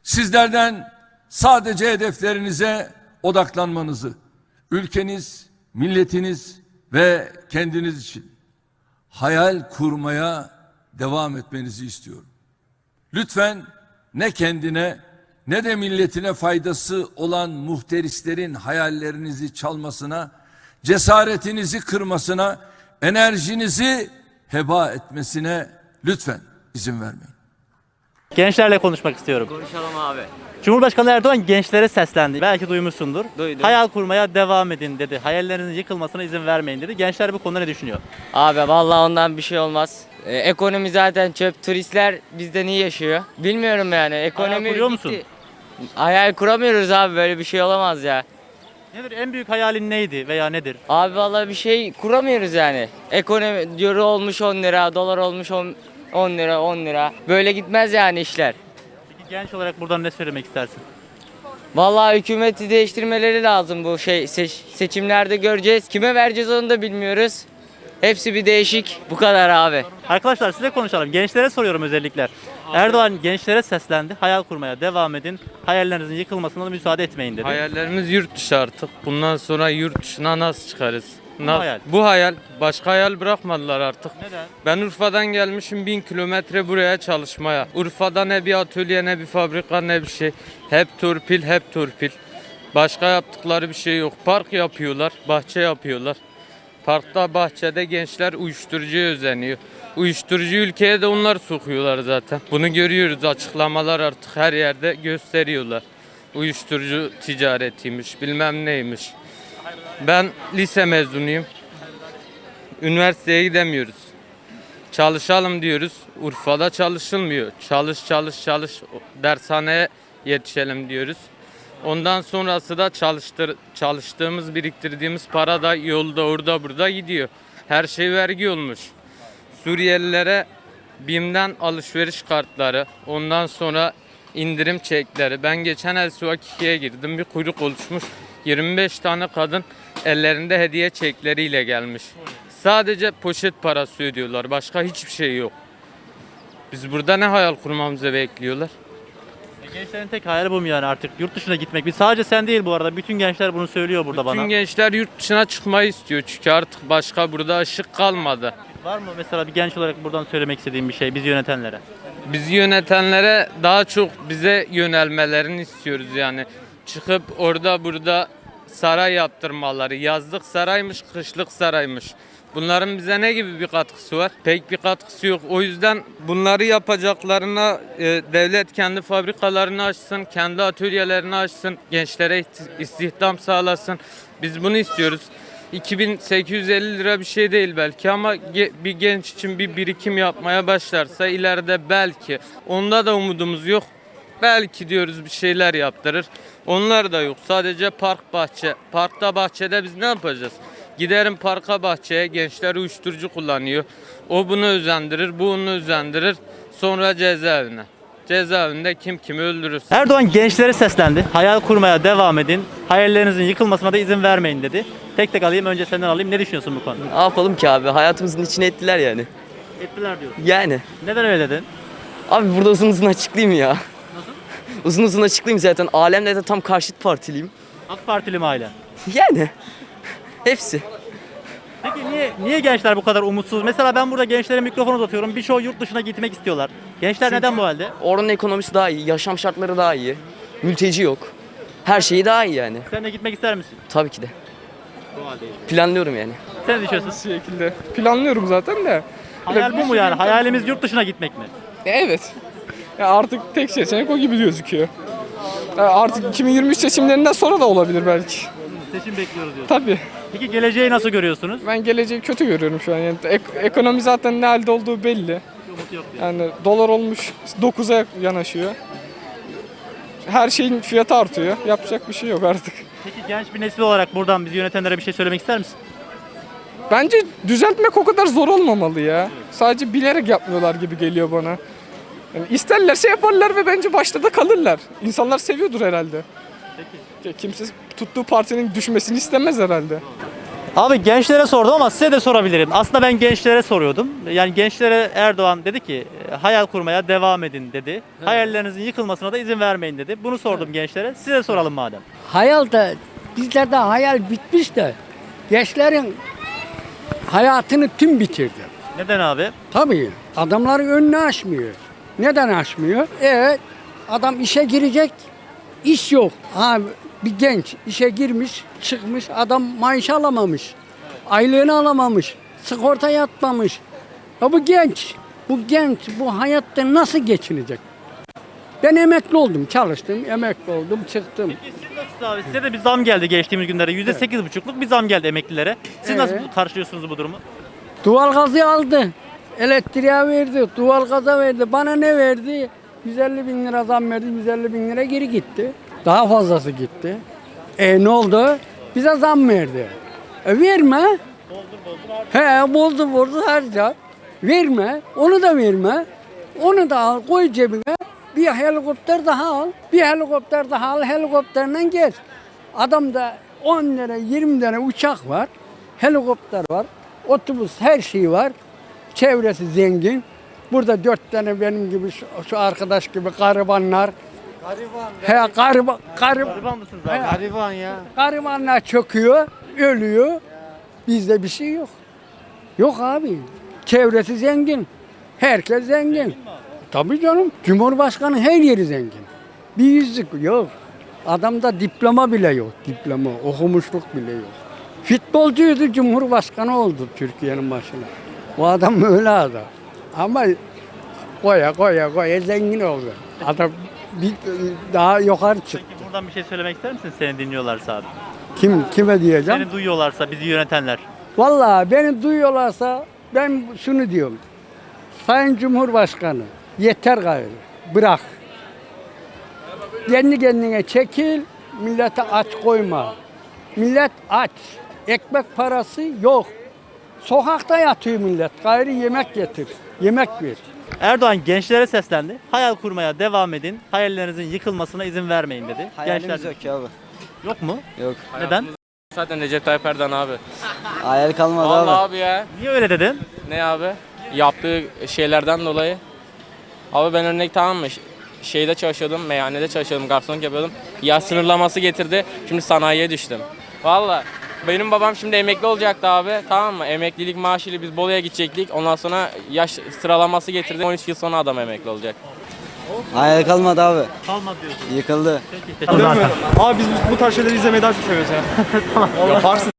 Sizlerden sadece hedeflerinize odaklanmanızı, ülkeniz, milletiniz ve kendiniz için hayal kurmaya devam etmenizi istiyorum. Lütfen ne kendine ne de milletine faydası olan muhterislerin hayallerinizi çalmasına, cesaretinizi kırmasına, enerjinizi heba etmesine lütfen izin vermeyin. Gençlerle konuşmak istiyorum. Konuşalım abi. Cumhurbaşkanı Erdoğan gençlere seslendi. Belki duymuşsundur. Duydum. Hayal kurmaya devam edin dedi. Hayallerinizin yıkılmasına izin vermeyin dedi. Gençler bu konuda ne düşünüyor? Abi vallahi ondan bir şey olmaz. Ekonomi zaten çöp. Turistler bizden iyi yaşıyor. Bilmiyorum yani. Ekonomi Hayal kuruyor bitti. musun? Hayal kuramıyoruz abi, böyle bir şey olamaz ya. Nedir en büyük hayalin neydi veya nedir? Abi vallahi bir şey kuramıyoruz yani. Ekonomi euro olmuş 10 lira, dolar olmuş 10 lira, 10 lira. Böyle gitmez yani işler. Peki genç olarak buradan ne söylemek istersin? Vallahi hükümeti değiştirmeleri lazım bu seçimlerde göreceğiz. Kime vereceğiz onu da bilmiyoruz. Hepsi bir değişik. Bu kadar abi. Arkadaşlar size konuşalım. Gençlere soruyorum özellikle. Erdoğan gençlere seslendi. Hayal kurmaya devam edin. Hayallerinizin yıkılmasına da müsaade etmeyin dedi. Hayallerimiz yurt dışı artık. Bundan sonra yurt dışına nasıl çıkarız? hayal. Bu hayal. Başka hayal bırakmadılar artık. Neden? Ben Urfa'dan gelmişim 1000 kilometre buraya çalışmaya. Urfa'da ne bir atölye, ne bir fabrika, ne bir şey. Hep torpil, hep torpil. Başka yaptıkları bir şey yok. Park yapıyorlar, bahçe yapıyorlar. Parkta, bahçede gençler uyuşturucuya özeniyor. Uyuşturucu ülkeye de onlar sokuyorlar zaten. Bunu görüyoruz, açıklamalar artık her yerde gösteriyorlar. Uyuşturucu ticaretiymiş, bilmem neymiş. Ben lise mezunuyum. Üniversiteye gidemiyoruz. Çalışalım diyoruz. Urfa'da çalışılmıyor. Çalış çalış çalış, dershaneye yetişelim diyoruz. Ondan sonrası da çalıştığımız, biriktirdiğimiz para da yolda, orada, burada gidiyor. Her şey vergi olmuş. Suriyelilere BİM'den alışveriş kartları, ondan sonra indirim çekleri. Ben geçen El Suvakiki'ye girdim, bir kuyruk oluşmuş. 25 tane kadın ellerinde hediye çekleriyle gelmiş. Sadece poşet parası ödüyorlar, başka hiçbir şey yok. Biz burada ne hayal kurmamızı bekliyorlar? Gençlerin tek hayali bu mu yani artık? Yurt dışına gitmek. Sadece sen değil bu arada. Bütün gençler bunu söylüyor burada bana. Bütün gençler yurt dışına çıkmayı istiyor çünkü artık başka burada ışık kalmadı. Var mı mesela bir genç olarak buradan söylemek istediğim bir şey bizi yönetenlere? Bizi yönetenlere daha çok bize yönelmelerini istiyoruz yani. Çıkıp orada burada saray yaptırmaları. Yazlık saraymış, kışlık saraymış. Bunların bize ne gibi bir katkısı var? Pek bir katkısı yok. O yüzden bunları yapacaklarına devlet kendi fabrikalarını açsın, kendi atölyelerini açsın, gençlere istihdam sağlasın. Biz bunu istiyoruz. 2850 lira bir şey değil belki ama bir genç için bir birikim yapmaya başlarsa ileride belki, onda da umudumuz yok. Belki diyoruz bir şeyler yaptırır. Onlar da yok. Sadece park, bahçe. Parkta, bahçede biz ne yapacağız? Giderim parka, bahçeye, gençler uyuşturucu kullanıyor. O bunu özendirir, bu onu özendirir. Sonra cezaevine. Cezaevinde kim kimi öldürür. Erdoğan gençlere seslendi. Hayal kurmaya devam edin. Hayallerinizin yıkılmasına da izin vermeyin dedi. Tek tek alayım, önce senden alayım. Ne düşünüyorsun bu konuda? Ne yapalım ki abi? Hayatımızın içine ettiler yani. Ettiler diyorsun. Yani. Neden öyle dedin? Abi burada uzun uzun açıklayayım ya. Nasıl? Uzun uzun açıklayayım zaten. Alemle de tam karşıt partiliyim. AK Partili mi ailen? Yani. Hepsi. Peki niye gençler bu kadar umutsuz? Mesela ben burada gençlere mikrofon uzatıyorum. Birçoğu yurt dışına gitmek istiyorlar. Gençler neden bu halde? Oranın ekonomisi daha iyi, yaşam şartları daha iyi. Mülteci yok. Her şeyi daha iyi yani. Sen de gitmek ister misin? Tabii ki de. Bu haldeyiz. Planlıyorum yani. Sen ne düşünüyorsun? Şekilde planlıyorum zaten de. Hayal bu mu yani? Hayalimiz yurt dışına gitmek mi? Evet. Ya artık tek seçenek o gibi gözüküyor. Ya artık 2023 seçimlerinden sonra da olabilir belki. Seçim bekliyoruz diyorsun. Tabii. Peki geleceği nasıl görüyorsunuz? Ben geleceği kötü görüyorum şu an. Yani ekonomi zaten ne halde olduğu belli. Umut yok diyor. Yani dolar olmuş 9'a yanaşıyor. Her şeyin fiyatı artıyor. Yapacak bir şey yok artık. Peki genç bir nesil olarak buradan bizi yönetenlere bir şey söylemek ister misin? Bence düzeltmek o kadar zor olmamalı ya. Sadece bilerek yapmıyorlar gibi geliyor bana. Yani isterlerse yaparlar ve bence başta da kalırlar. İnsanlar seviyordur herhalde. Peki. Kimse tuttuğu partinin düşmesini istemez herhalde. Abi gençlere sordum ama size de sorabilirim. Aslında ben gençlere soruyordum. Yani gençlere Erdoğan dedi ki hayal kurmaya devam edin dedi. Hayallerinizin yıkılmasına da izin vermeyin dedi. Bunu sordum gençlere. Size soralım madem. Hayal da bizlerde hayal bitmiş de gençlerin hayatını tüm bitirdi. Neden abi? Tabii adamların önünü açmıyor. Neden açmıyor? Evet adam işe girecek, iş yok. Abi bir genç işe girmiş, çıkmış, adam maaş alamamış. Aylığını alamamış, sigorta yatmamış. Ya bu genç bu hayatta nasıl geçinecek? Ben emekli oldum, çalıştım, emekli oldum, çıktım. Siz nasıl abi? Size de bir zam geldi geçtiğimiz günlerde. %8,5'luk bir zam geldi emeklilere. Siz nasıl karşılıyorsunuz bu durumu? Doğalgazı aldı, elektriğe verdi, doğalgaza verdi. Bana ne verdi? 150 bin lira zam verdi, 150 bin lira geri gitti. Daha fazlası gitti. Ne oldu? Bize zam verdi. Verme. Boldur harca. Verme, onu da verme. Onu da al, koy cebine. Bir helikopter daha al. Bir helikopter daha al, helikopterle gez. Adamda 10 lira, 20 tane uçak var. Helikopter var. Otobüs, her şey var. Çevresi zengin. Burada 4 tane benim gibi şu arkadaş gibi garibanlar. Gariban mısınız abi? Garibanlar çöküyor, ölüyor. Bizde bir şey yok. Yok abi. Çevresi zengin. Herkes zengin. Tabii canım. Cumhurbaşkanı her yeri zengin. Bir yüzlük yok. Adamda diploma bile yok. Diploma, okumuşluk bile yok. Futbolcuydu, Cumhurbaşkanı oldu Türkiye'nin başına. O adam öyle adam. Ama koya zengin oldu. Adam bir daha yukarı çıktı. Peki buradan bir şey söylemek ister misin seni dinliyorlarsa abi? Kime diyeceğim? Seni duyuyorlarsa bizi yönetenler. Vallahi beni duyuyorlarsa ben şunu diyorum. Sayın Cumhurbaşkanı yeter gayrı. Bırak. Kendi kendine çekil. Millete aç koyma. Millet aç. Ekmek parası yok. Sokakta yatıyor millet. Gayrı yemek getir. Yemek ver. Erdoğan gençlere seslendi. Hayal kurmaya devam edin. Hayallerinizin yıkılmasına izin vermeyin dedi. Hayalimiz Gençler yok ki abi. yok mu? Yok. Neden? Zaten Recep Tayyip Erdoğan abi. Hayal kalmadı Vallahi abi. abi ya. Niye öyle dedin? Ne abi? Yaptığı şeylerden dolayı. Abi ben örnek tamam mı? Şeyde çalışıyordum, meyhanede çalışıyordum, garsonluk yapıyordum. Yaş sınırlaması getirdi. Şimdi sanayiye düştüm. Vallahi benim babam şimdi emekli olacaktı abi. Tamam mı? Emeklilik maaşıyla biz Bolu'ya gidecektik. Ondan sonra yaş sıralaması getirdi. 13 yıl sonra adam emekli olacak. Hayal kalmadı abi. Kalmadı diyorsun. Yıkıldı. Peki, teşekkür ederim. Abi biz bu tarz şeyleri izlemeyi daha çok seviyoruz ya. Yaparsın.